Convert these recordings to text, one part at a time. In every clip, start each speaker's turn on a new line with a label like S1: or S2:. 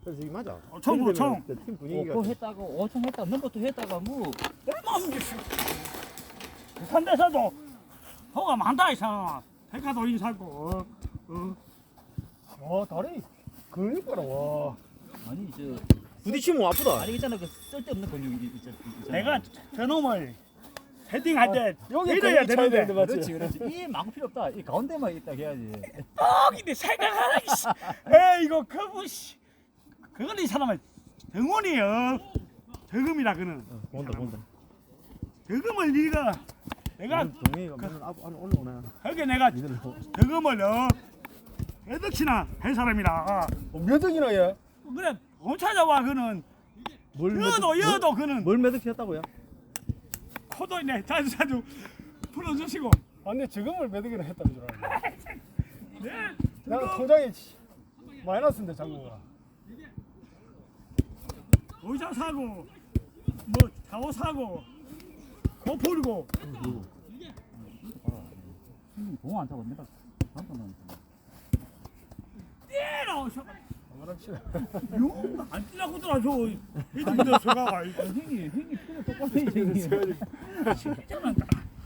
S1: 그래서 이게 맞아.
S2: 총, 총.
S1: 팀 분위기가
S3: 5코 했다가 5총 했다가 넘버도 했다가 뭐
S2: 얼마 없는 게 부산 데서도 호가 많다 이상 백화도 인사고
S1: 와 다리 그니까라 와.
S3: 아니 저
S1: 부딪히면 아프다.
S3: 아니 있잖아 그 쓸데없는 근육이 있잖아.
S2: 내가 저놈을 헤딩할 때
S1: 여기
S2: 이래야
S1: 근육 쳐야
S2: 되는데
S1: 맞지?
S3: 그렇지. 이 막고 필요 없다. 이 가운데만 있다 해야지.
S2: 근데 생각하라 이씨 에이 이거 그거 씨 그거는 이 사람은 덩원이요 덕음이라 그는
S1: 본다 본다.
S2: 덕음을 네가 내가
S1: 동해가 맨날 안에 올라오네.
S2: 거기 내가
S1: 니들
S2: 덕음을 몇 억이나 한 사람이라
S1: 몇 억이나 얘?
S2: 그래 못 찾아와 그는 여도 그는
S1: 뭘 매듭했다고요?
S2: 코도 있네 자주 풀어주시고
S4: 아니 지금을 몇 억이나 했다는 줄 알았네.
S2: 네
S4: 내가 통장에 마이너스인데 장모가.
S2: 의자 사고 뭐 자오 사고 코 풀고
S3: 공안 차고 내가 잠깐만.
S2: 때려
S4: 그렇지.
S2: 용안 뛰라고 들어줘 이들 서가가
S3: 형이 필요 똑같아 형이.
S2: 진짜는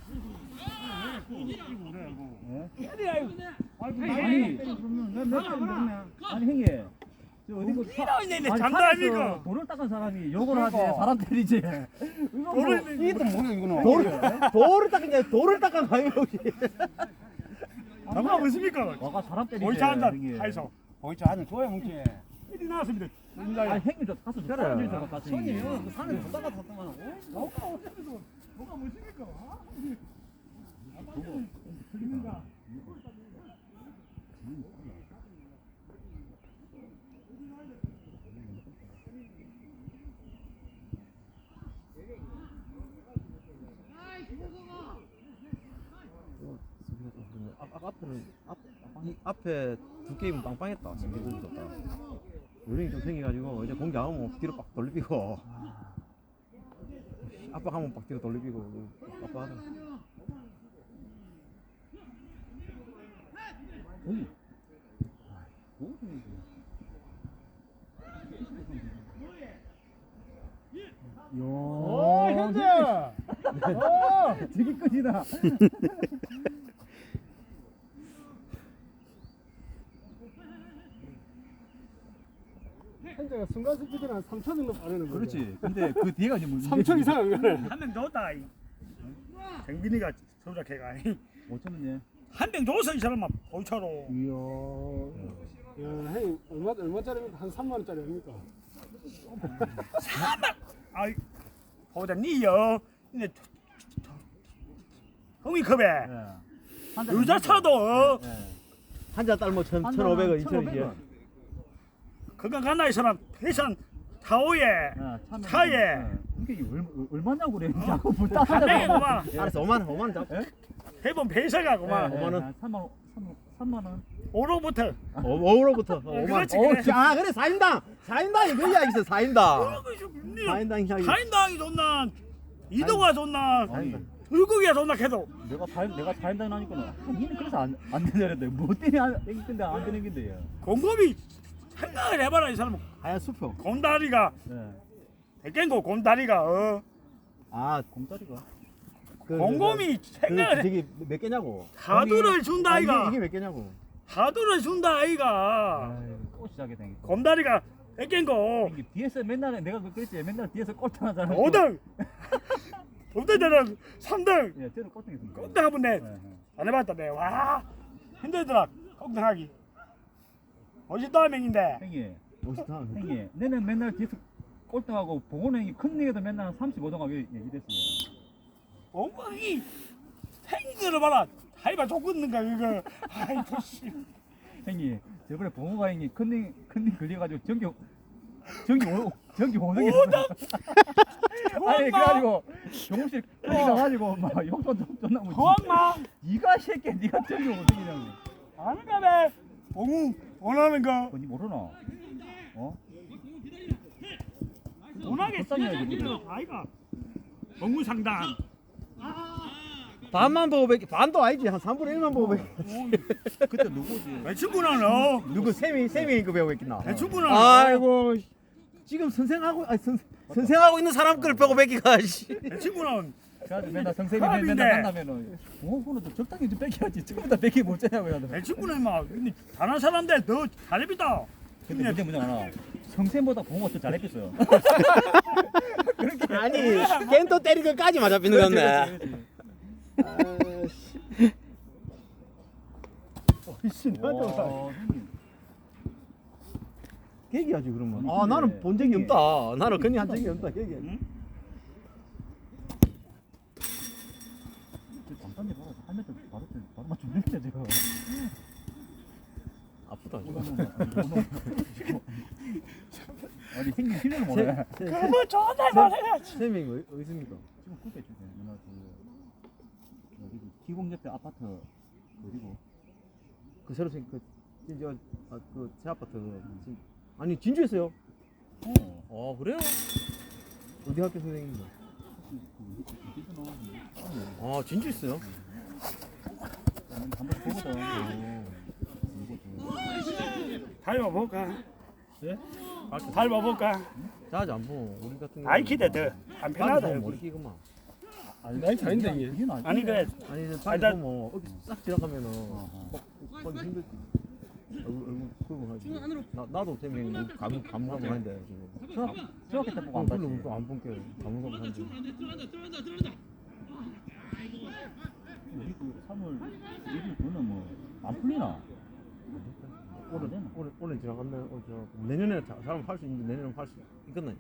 S3: 아니 형이 저 어디 그
S2: 이러네
S3: 아니,
S2: 장난 아니고
S3: 산에서 돌을 닦은 사람이 욕을 하지 사람 때리지. 이거 뭐
S4: 이것도 뭐야 이거는.
S1: 돌을 닦은 돌을 닦은 가요 혹시?
S2: 장난 무엇입니까
S3: 와가 사람 때리지.
S2: 의자 한잔
S3: 형이.
S2: 하이소
S4: 보이지 않는 좋아요 뭉치.
S2: 일이 나왔습니다
S3: 아니 형님 저 가서
S1: 그래.
S3: 사람 좀 가서
S4: 손이
S3: 형이.
S4: 그 산에 뒀다가 뒀더만.
S2: 뭐가 어쨌든 뭐가 무엇입니까
S1: 앞에는 이 앞에 두 게임은 빵빵했다. 신기도 좋다. 요령이 좀 생겨가지고 이제 공기 안 오면 뒤로 빡 돌리고 압박하면 빡 뒤로 돌리고 빡빡하다.
S4: 오 현재.
S3: 되게 끝이다.
S4: 현재가 순간 스피드는 한 3초 정도 빠르는 거죠.
S3: 그렇지. 근데 그 뒤가 이제 문제.
S4: 3초 이상 안 가네.
S2: 한 명 줬다 정빈이가 소작해가
S3: 5천원이네.
S2: 한 명 줘서 이 사람만 보초로
S4: 이야. 야, 형님 얼마짜리입니까? 한 3만 원짜리 아닙니까?
S2: 아이 보자 니요 근데 형이컵에 여자 차도
S1: 한 잔 딸뭐 1,500원, 2,000원.
S2: 그거 가나 이 사람 회산 타오에 차에
S3: 이게 얼마냐고 그래. 자꾸 불 따서
S2: 내가구만
S1: 알았어 5만 원 잡.
S2: 해본 배서가구만
S1: 5만 원.
S3: 3만 원.
S2: 5로부터
S1: 5로부터 5만.
S2: 그렇지, 그래.
S1: 아 그래 4인당 그 이야기 있어 4인당. 4인당 이야기.
S2: 타인당이 좋나 이동아 좋나
S1: 사인당.
S2: 불국이가 좋나 해도
S3: 내가 타임당 하니까 니는 그래서 안 되냐는데 뭐 때문에 안 근데 안 되는 건데.
S2: 곰곰이 생각을 해봐라 이 사람은
S1: 하얀 수표.
S2: 곰다리가
S3: 예.
S2: 백갱고 곰다리가
S1: 아
S3: 공짜리가.
S2: 곰곰이 생각을 해
S1: 저기 몇 개냐고.
S2: 하두를 준다 아이가
S1: 이게 몇 개냐고.
S2: 하두를 준다 아이가
S3: 또 시작이 되니까.
S2: 곰다리가 백갱고
S3: 뒤에서 맨날 내가 그랬지. 맨날 뒤에서 꼴등하잖아.
S2: 5등 5등들은 3등
S3: 예, 저는 꼴등했습니다.
S2: 꼴등하면 내
S3: 예, 예.
S2: 안 해봤다 내와 힘들더라 꼴등하기 52명인데
S3: 형님,
S1: 멋있다.
S3: 형님, 내는 맨날 뒤에서 꼴등하고 봉원 형이 큰 얘기도 맨날 한 35등 하게 얘기됐어요.
S2: 엉망이 생기를 봐라 하이바 쫓겠는가 그거 아이고 씨
S3: 형님, 저번에 봉호가 형이 큰님 걸려가지고 전기 5등이 아니 그래가지고 경호실 가가지고 막 욕도 존나 뭐
S2: 고항마
S3: 니가 새끼 니가 전기 5등이냐고.
S2: 아는가 봐 봉우 원하는 거
S3: 그거 니 모르나? 어?
S2: 원하게
S3: 불쌍해요,
S2: 쓰는
S3: 지금.
S2: 아이가 봉우 상단
S1: 반만 보고 뵙기 반도 아니지 한 3분의 1만 보고 뵙기
S3: 그때 누구지?
S2: 배충구나 너.
S1: 누구 쌤이 그 배우고 있겠나
S2: 배충구나.
S1: 아이고 지금 선생하고 선생하고 있는 사람 걸 보고 뵙기가 씨.
S2: 배충구나.
S3: 그래가지고 맨날 선생님
S2: 사람인데.
S3: 맨날 만나면은 그거는 좀 적당히 좀 뺏겨야지. 지금보다 뺏기 못 째냐고 해야 돼.
S2: 배충구나 막 근데 다른 사람인데 너 잘해비다.
S3: 근데 문제 뭐냐 하나. 성쌤보다 봉호가 더 잘했겠어요.
S1: 아니 겐토 때린 것까지 맞아 삐는 건데
S4: 씨 나도
S3: 와, 형님.
S1: 계기하지 그러면
S3: 아니,
S1: 아 나는
S3: 근데
S1: 본 적이
S3: 이게-
S1: 없다 나는 그냥 한 적이 없다 계기하지
S2: 응?
S3: 저 잠깐만 봐라. 한 메터 바로 맞추는데 지금.
S1: 아프다
S3: 아니 생긴 실력을 모르네.
S2: 그거 전화 말해야지.
S1: 쌤이 어디 있습니까?
S3: 지금 그게 주세요. 누나 그 기공 옆에 아파트 그리고
S1: 그 새로 생긴 그 진짜 그새 아파트 아니 진주였어요
S3: 어.
S1: 그래요? 어디 학교 선생님인가? 아 진주 있어요?
S3: 한번 보거든.
S2: 닮아볼까? 예? 닮아볼까?
S1: 자주 안 보고 우리 같은
S2: 아이 기대 더안 편하다.
S1: 머리 끼고만
S4: 나이 차인데 이게.
S3: 이게
S2: 아니 그래
S1: 아니
S2: 아니,
S1: 밖에
S2: 나-
S1: 보면 어디 싹 지나가면은 보기 힘들지 얼굴 그거 하지 나도 쌤이 감하고 하는데 지금
S3: 중학교 때 보고 안 봤지.
S1: 별로 안 본게 감하고 하는데
S3: 우리 그 3월 1일 그거는 뭐안 풀리나? 오래되나?
S1: 올해 지나갔네 내년에 사람 할 수 있는데 내년에 할 수 있겠네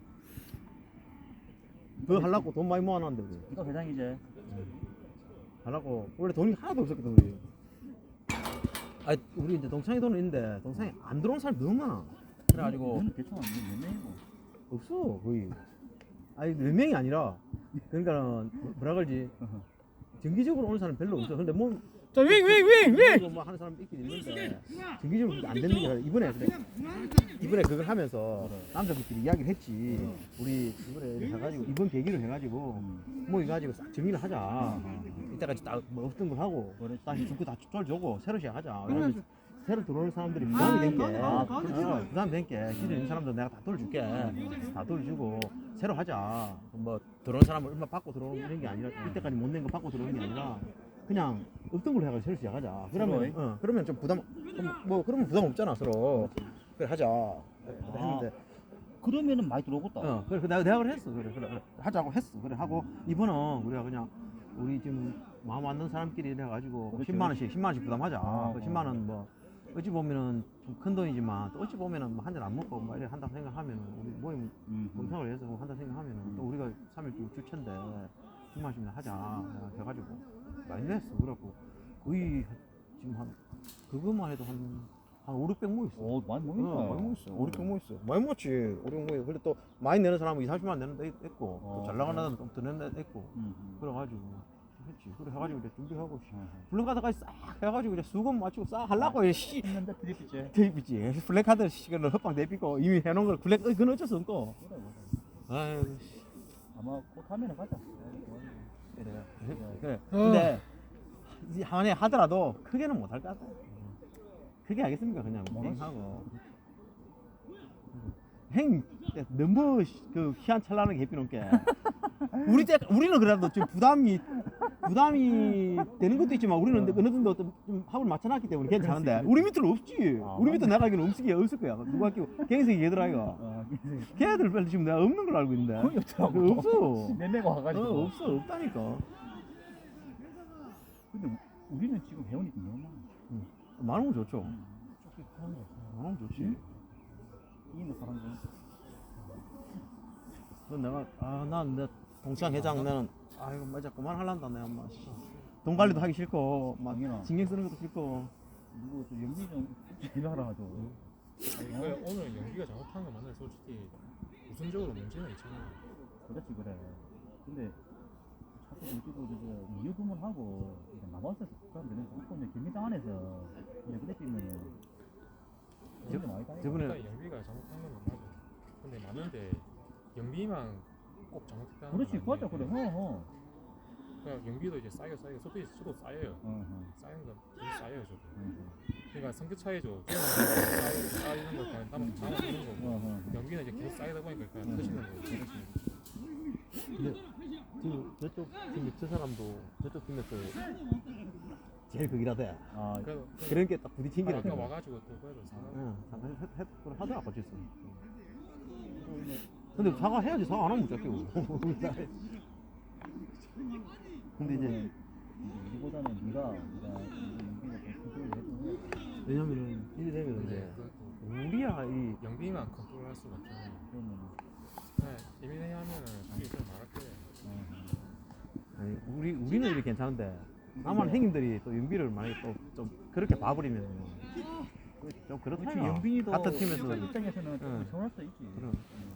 S1: 그거 하려고 돈 많이 모아놨는데 우리
S3: 이거 회장이지.
S1: 하려고 원래 돈이 하나도 없었거든 우리 아 우리 이제 동창이 돈은 있는데 동창이 안 들어온 사람이 너무 많아 그래가지고
S3: 너는 괜찮아. 몇 명이고.
S1: 없어 거의 아니 몇 명이 아니라 그러니까는 뭐라 그러지 정기적으로 오는 사람 별로 없어 근데 뭐
S4: 자, 윙.
S1: 뭐 하는 사람 있긴 있는데 정기적으로 그게 안 되는 게 아니라 이번에 그걸 하면서 남자들끼리 이야기를 했지 우리 이번에 해가지고 이번 계기를 해가지고 뭐 이거 싹 정리를 하자 이때까지 딱뭐 없던 걸 하고 다시 죽고 다 돌주고 새로 시작하자 그러면 새로 들어오는 사람들이 부담이 된게 부담이 된게 기존에 있는 사람들 내가 다 돌줄게 다 돌주고 새로 하자 뭐 들어오는 사람을 얼마 받고 들어오는 게 아니라 이때까지 못 낸 거 받고 들어오는 게 아니라 그냥 없던 걸로 해가지고 새로 시작하자 그러면 그러면 좀 부담 뭐 그러면 부담 없잖아 서로 그래 하자 했는데
S3: 그러면은 많이 들어오겠다.
S1: 그래 내가 그래 했어 그래 하자고 했어 그래 하고 이번은 우리가 그냥 우리 지금 마음 맞는 사람끼리 해가지고
S3: 그렇죠.
S1: 10만 원씩 부담하자 그 10만 원 뭐 어찌 보면은 좀 큰 돈이지만 또 어찌 보면은 뭐 한 잔 안 먹고 뭐 이래 한다고 생각하면은 우리 모임 동창을 해서 한다 생각하면은 또 우리가 3일 주체인데 10만 원씩 하자 해가지고 많이 냈어 그래갖고 거의 지금 한 그것만 해도 한 5, 600 모였어.
S3: 오, 많이 모인다.
S1: 많이 모였어. 5, 600 모였어. 많이 모였지. 5, 600 모여. 근데 또 많이 내는 사람은 2, 30만 원 내는 데 있고 또 잘 나가는 사람은 좀 더 내는 데 있고 그래가지고 했지. 그래 해가지고 이제 준비하고 블랙카드까지 싹 해가지고 이제 수금 맞추고 싹 하려고 씨.
S3: 했는데 드립이지.
S1: 테이프지. 블랙카드 시간을 헛방 내비고 이미 해놓은 걸 블랙 그건 어쩔 수 없고. 아유 씨.
S3: 아마 곧 하면은 가자.
S1: 그래. 근데 이 한해 하더라도 크게는 못할 것 같아. 크게 하겠습니까 그냥 행하고. 행 너무 그 희한찬란하게 해피는 게 우리는 그래도 좀 부담이 되는 것도 있지만 우리는 어느 정도 좀 합을 맞춰놨기 때문에 괜찮은데 우리 밑으로 없지. 우리 밑에 내가 알기로는 없을 거야. 누가 끼고 갱생이 얘들아 이거. 걔들 별로 지금 내가 없는 걸 알고 있는데.
S3: 거의 없더라고.
S1: 없어.
S3: 내내고 와가지고.
S1: 없다니까.
S3: 근데 우리는 지금 회원이 너무 많아.
S1: 많으면 좋죠. 많으면 좋지.
S3: 이기는 사람들.
S1: 그건 내가 난 내 동창 회장 나는 이거 맞아 그만하란다 내가 엄마. 돈 관리도 하기 싫고 막
S3: 당연하.
S1: 신경 쓰는 것도 싫고.
S3: 누구 저 연기 좀 일하라 하죠.
S5: 오늘 연기가 잘못한 거 맞나요? 솔직히 우선적으로 문제는 있잖아요.
S3: 그렇지 그래. 근데 자꾸 우리도 이제 이유 부문하고 남아서 사람들은 자꾸 이제 경기장 안에서 그냥 그래 뛰면은
S1: 저번에
S5: 연비가 잘못한 건 맞아. 근데 많은데 연비만 꼭 잘못했다는
S3: 그렇지
S5: 건
S3: 맞아
S5: 아니에요.
S3: 그래.
S5: 그러니까 경기도 이제 쌓여 저도 쌓여요. 쌓이는 건 되게 쌓여요 저도. 그러니까 성격 차이죠. 쌓이는 거 그냥 담아두는 거고 경기는 이제 계속 쌓이다 보니까 그냥 터지는 거예요.
S1: 근데 지금 저쪽 지금 저 사람도 저쪽 팀에서 제일 극이라대.
S3: 아,
S1: 그런 게 딱 부딪힌 게
S5: 아까 와가지고 또 그래도
S1: 응, 잠깐 하더라 같이 있어. 근데 사과해야지. 사과 안 하면 못 잡히고. 근데 이제
S3: 우리보다는 네가 연기가 더 컨트롤을 해주고
S1: 왜냐면은 이제 되면 이제 우리야 이
S5: 영빈이만 컨트롤할 수가 없잖아요.
S3: 그러면
S5: 네, 예민해 하면은 자기 좀 말할 때
S1: 아니, 우리는 이렇게 괜찮은데 남한 행님들이 또 윤비를 만약에 또 좀 그렇게 봐버리면 좀 그렇다.
S3: 그렇지. 영빈이도
S1: 같은 팀에서
S3: 입장에서는 좀
S1: 응.
S3: 서운할 수 있지.
S1: 그럼.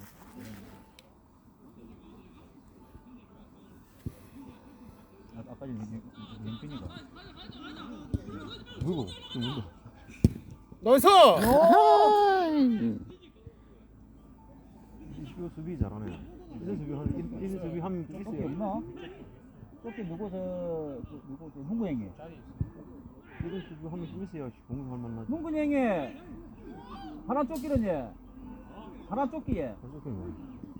S3: 아까 영빈이가
S1: 누구? 누구?
S4: 나이스!
S1: 이거 수비 잘하네. 이런 수비 하면
S3: 쫓기
S1: 있어요.
S3: 없나? 쫓기 누구 문구 형이
S1: 이런 수비 하면 있어야 공격할 만나지.
S3: 문구 형이 하나 쫓기는 얘 하나 쫓기에
S1: 어떻게 뭐?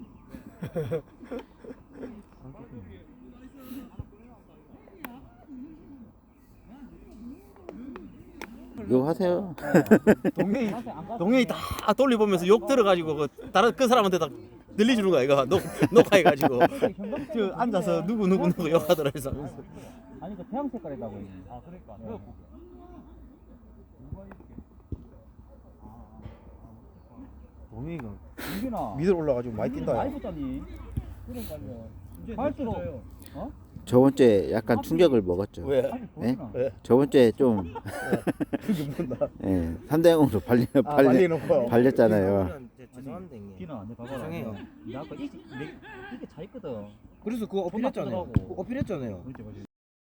S6: 이거 하세요.
S1: 동영이 다 돌려보면서 욕 들어가지고 그 다른 그 사람한테 다 들려주는 거야 이거 녹화해가지고 저 앉아서 누구 욕하더라 해서.
S3: 아니 그 태양 색깔이라고 했네.
S2: 아 그러니까
S1: 동영이가
S3: 윤빈아
S1: 밑으로 올라가지고 많이 뛴다.
S3: 많이 붙다니. 그러니까요. 갈수록
S6: 저번 주에 약간 충격을 먹었죠.
S1: 왜?
S3: 아니
S6: 예?
S3: 보이나?
S6: 저번 주에 좀
S1: 그게 뭔다.
S6: 예, 3대0으로
S1: 발리놓고.
S6: 발렸잖아요.
S3: 죄송한데 형님. 비나 내 봐봐라.
S7: 죄송해요.
S3: 나 아까 이게 차 있거든.
S7: 그래서 그거 어필했잖아요.
S3: 나쁘더라고.
S7: 그거 어필했잖아요.
S3: 그렇지.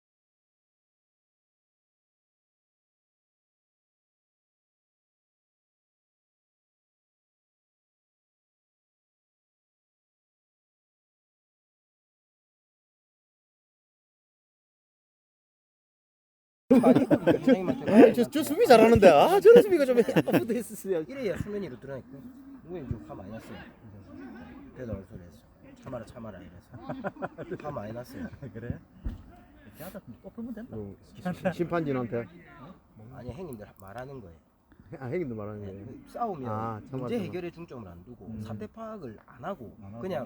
S1: 저 수비 잘하는데 저런 수비가 좀 약간 붙어 있었어요.
S7: 이래야 수면 위로 드러나니까 누구는 좀화 많이 났어요. 그래도 얼 소리 했어. 참아라 이래서 화 많이 났어요.
S3: 그래? 걔한테 또 풀면 된다.
S1: 심판진한테
S7: 아니 형님들 말하는 거예요.
S1: 행인도 말하는 게.
S7: 싸우면
S1: 참아,
S7: 문제
S1: 참아.
S7: 해결에 중점을 안 두고 사태 파악을 안 하고 그냥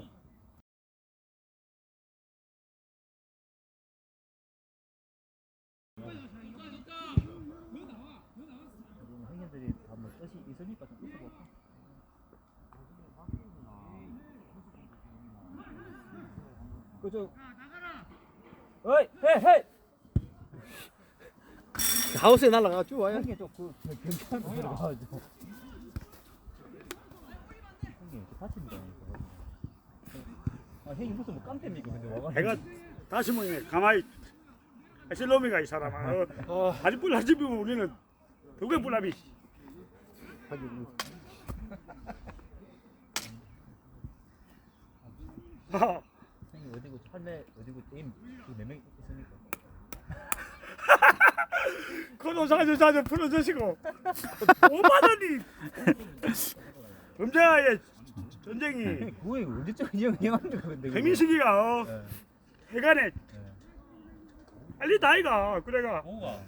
S3: 형님들이 다뭐 뜻이 있으니까 좀 있어볼까? 그저 어이 헤이
S1: 하우스에 날라가 쭉 와요.
S3: 형님 좀그 경찰 들어가가지고 형님 이렇게 다칩니다. 아 형님 무슨 뭐 깡패입니까 근데 와가지고
S2: 내가 다시 모이네 가만히 실놈이가 이 사람아 하지불 하지불 우리는 두개 불합이
S3: 형님 어디고 할래 어디고 게임 그몇명 있으니까
S2: 그노사주 사주 풀어주시고 5만원이 범죄와의 전쟁이
S3: 그거에 언제쯤 영향합니까 근데 그거.
S2: 해민식이가 해간에 빨리 나이가 그래가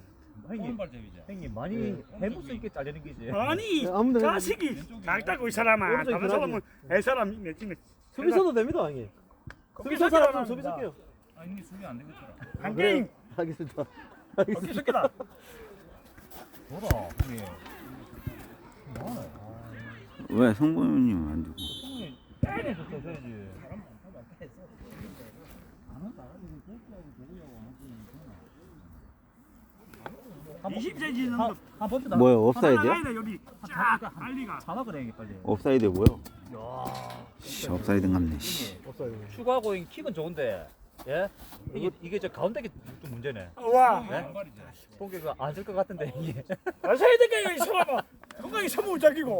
S3: 형님 많이 해볼 수 있게 잘리는 게지.
S2: 아니
S1: 아무도
S2: 자식이 작다고 이 사람아
S1: 오른쪽이
S2: 다른 사람은 애 사람이 내지는
S1: 수비 써도 됩니다, 형님. 수비 써 사람 수비 쓸게요.
S2: 한 게임
S1: 하겠습니다.
S2: 어깨 새끼다
S3: 뭐라 형님.
S6: 왜 성범님 안 주고?
S3: 형님 때려서 써야지.
S2: 20cm는
S6: 뭐요? 옵사이드야?
S2: 여기 쫙 빨리가
S3: 자막 그래 빨리.
S6: 옵사이드 뭐요? 씨, 옵사이드 같네. 씨.
S3: 추가하고 킥은 좋은데. 예? 이게 저 가운데 게 좀 문제네.
S2: 와
S3: 공격이 안될 것 같은데 이게.
S2: 마셔야 되겠요 이 사람아 건강히 선물 잡히고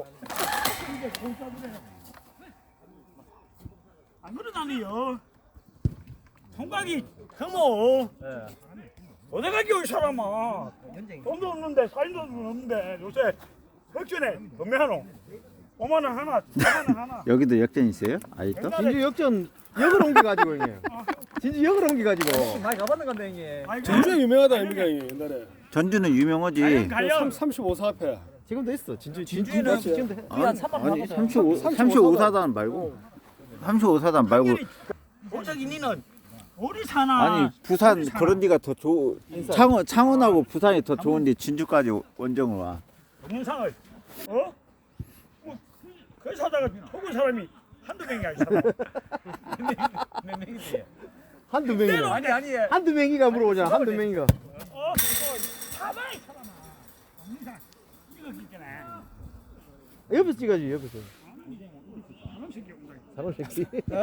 S2: 안 그러다니요 총각이 그모 어디가기 이 사람아 돈도 없는데 사인도 없는데 요새 흑전에 도매하노 5만 원 하나 4만 원 하나
S6: 여기도 역전 있어요? 아직도?
S1: 진주 역전 역을 옮겨가지고 형님. 진주 역을 옮겨가지고.
S7: 많이 가봤는 건데 형님.
S4: 전주에 유명하다 아닙니까 형님 옛날에.
S6: 전주는 유명하지.
S2: 가요
S4: 35사 앞에.
S1: 지금도 있어.
S4: 진주는
S1: 지금도 해.
S6: 아니 35사단 말고 35사단 말고
S2: 갑자기 니는 어디 사나
S6: 아니 부산 그런 데가 더 좋. 창원하고 부산이 더 좋은데 진주까지 원정을 와.
S2: 동영상을 어? 그 사다가 속은 사람이 한두 명이 아니잖아
S7: 몇 명이지?
S1: 한두 명이.
S7: 아니
S1: 한두 명이가 물어보잖아. 한두 명이가.
S2: 사방이 사람아 동영상 이거 있잖아
S1: 옆에서 찍어야지 옆에서.
S2: 사람 새끼 온다
S1: 사람 새끼.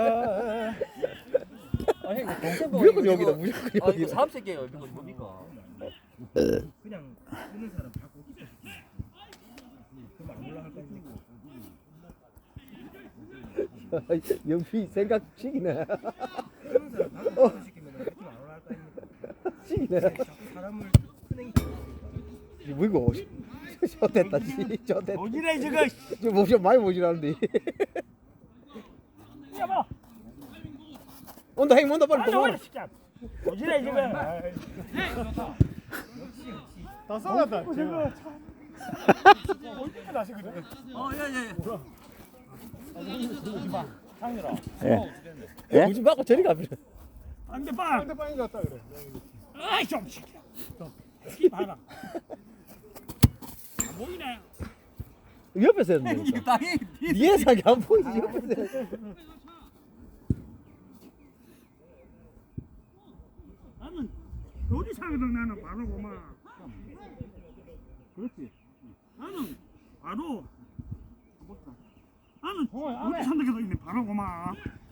S7: 아니 동생
S1: 무조건 여기다 무조건 여기다.
S7: 사업 새끼예요. 이거 뭡니까? 그냥 쓰는 사람 갖고 있다. 그럼 안 올라갈 거 아닙니까?
S1: 연피 생각 시기네.
S7: 쓰는 사람 갖고 시키면 그럼 안 올라갈 거 아닙니까?
S1: 시기네.
S7: 자꾸 사람을 푸는 게
S1: 뭐이고? 저 됐다. 저 됐다.
S2: 어디래 저거
S1: 저 모션 많이 모시라는데.
S2: 야봐
S1: 온다 행 온다 빨리
S2: 아니
S1: 또.
S2: 어디 진짜 어디래 저거
S4: 다 싸웠다.
S2: 저거 어디가 다시 그래
S6: 예?
S1: 무지 맞고 저리 가버려.
S2: 안돼 빠
S4: 상대방인 것 같다 그래.
S2: 아이 좀 시켜 좀 봐라 안 보이네
S1: 옆에서 해야 된다.
S7: 당연히
S1: 뒤에서 하기 안 보이지 옆에서. 해야 돼.
S2: 나는 요리사거든 나는 바로 고마
S3: 그렇지.
S2: 나는 바로 나는 요리 산다고도 있네 바로 고마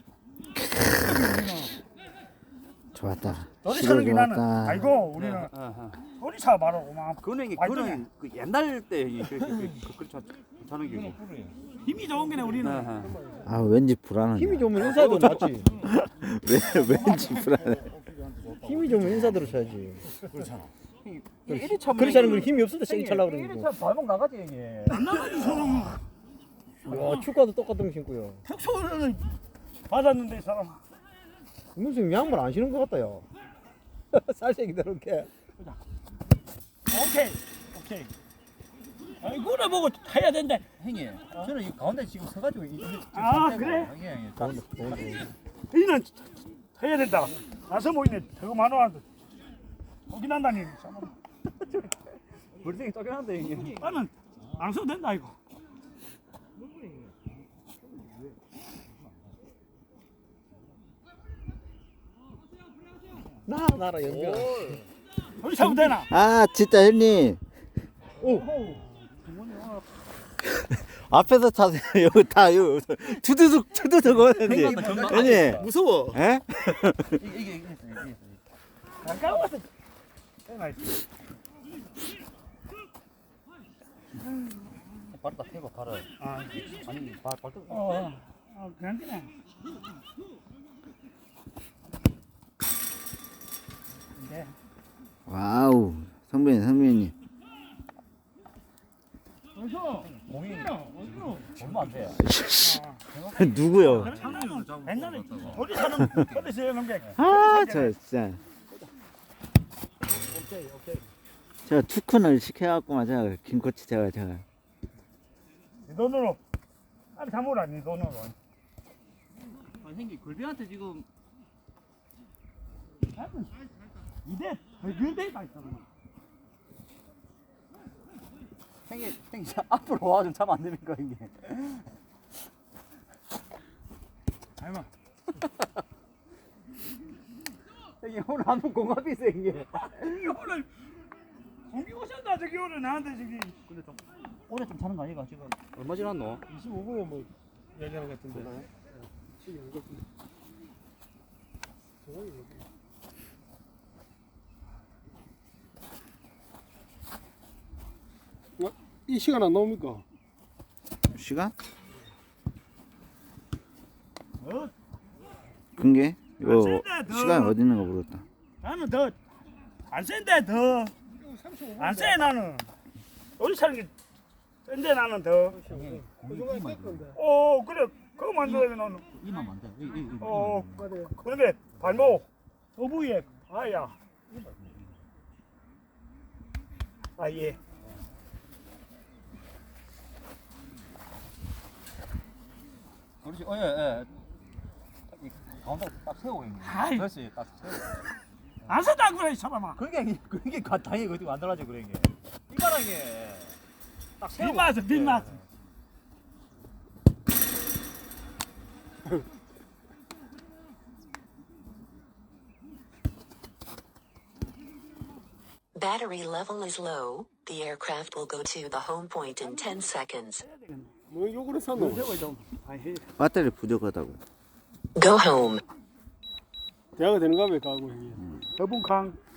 S6: 좋았다.
S2: 요리
S6: 시골
S2: 사는 게 나는
S6: 좋았다.
S2: 알고 우리는 요리사 바로 고마
S3: 그거는 그 옛날 때 저는 게
S2: 힘이 좋은 게네 우리는
S6: 아 왠지 불안하네.
S1: 힘이 좋으면 인사도 낫지.
S6: 왠지 불안해.
S1: 힘이 좋으면 인사대로 쳐야지.
S7: 이리 참
S1: 그렇지 않으면 힘이 없을 때 세게 차려고 그러는
S7: 이리
S1: 거.
S7: 참 발목 나가지 형님.
S2: 안 나가지 사람은
S1: 야 축구도 똑같은 거 신고요.
S2: 특수를 받았는데 이 사람아
S1: 무슨 양말 안 신은 것 같다 야. 살색이대로 이렇게.
S2: 오케이 이거를 보고 해야 된대
S7: 형님, 저는 이 가운데 지금 서가지고
S2: 아, 그래? 이는 해야 된다 나서 보이네 저거 만원 거기 난다니
S7: 물색이 쪼개는데 형님.
S2: 나는 안 써도 된다 이거
S1: 나라 연결.
S2: 우리 사면 되나?
S6: 아 진짜 형님. 앞에서 타세요. 여기 다 여기 투두둑 오는데. 형님.
S1: 무서워.
S6: 에?
S7: 이게
S2: 가까워서 되나 있어
S7: 발다 해봐 발을. 아니 발등.
S2: 그냥 그냥 네.
S6: 와우. 선배님.
S7: 공이 얼마 안 돼.
S6: 누구요?
S2: 옛날에 우리 사는 어디서 해놓은 게
S6: 아, 저 진짜. 제가 투큰을 시켜갖고만 제가 김코치 제가
S2: 네 돈으로 아니 사물아 네 돈으로
S7: 형님 골비한테 지금
S2: 이대 그대 다 있어
S7: 형님 앞으로 와 좀 차면 안 됩니까 형님?
S2: 아이마
S7: 형님 오늘 한번 공합이 있어 형님.
S2: 오늘 공기 오셨다 저기 오늘 나한테 저기
S7: 근데 좀 오래 좀 차는 거 아니가 지금?
S3: 얼마 지났노?
S4: 25분에 뭐 얘기하는 것 같은데. 이 시간 안 나옵니까?
S6: 시간? 근게? 이거 시간이 어디 있는 거 모르겠다.
S2: 나는 더 안 센데 더 안 세 나는 우리 차는 게 센데 나는 더. 그래 그거 만들어야 나는.
S3: 이만 만져.
S2: 그런데 발목 어부에 아야. 아 예.
S3: 그렇지. 예. 가운데 딱 세우고 있는.
S2: 아이.
S3: 그렇지. 딱 세우고.
S2: 안 쓴다 그래 이 사람아.
S3: 그게 당연히 그렇게 만들어야지 그런 게. 이거랑 게. 딱 세우고.
S2: 빗맞아 빗맞아.
S8: Battery level is low. The aircraft will go to the home point in 10 seconds.
S4: 뭐 욕을 했어 너.
S6: 배터리 부족하다고.
S8: Go home.
S4: 대화가 되는가 봐 가고 형이.
S2: 더분강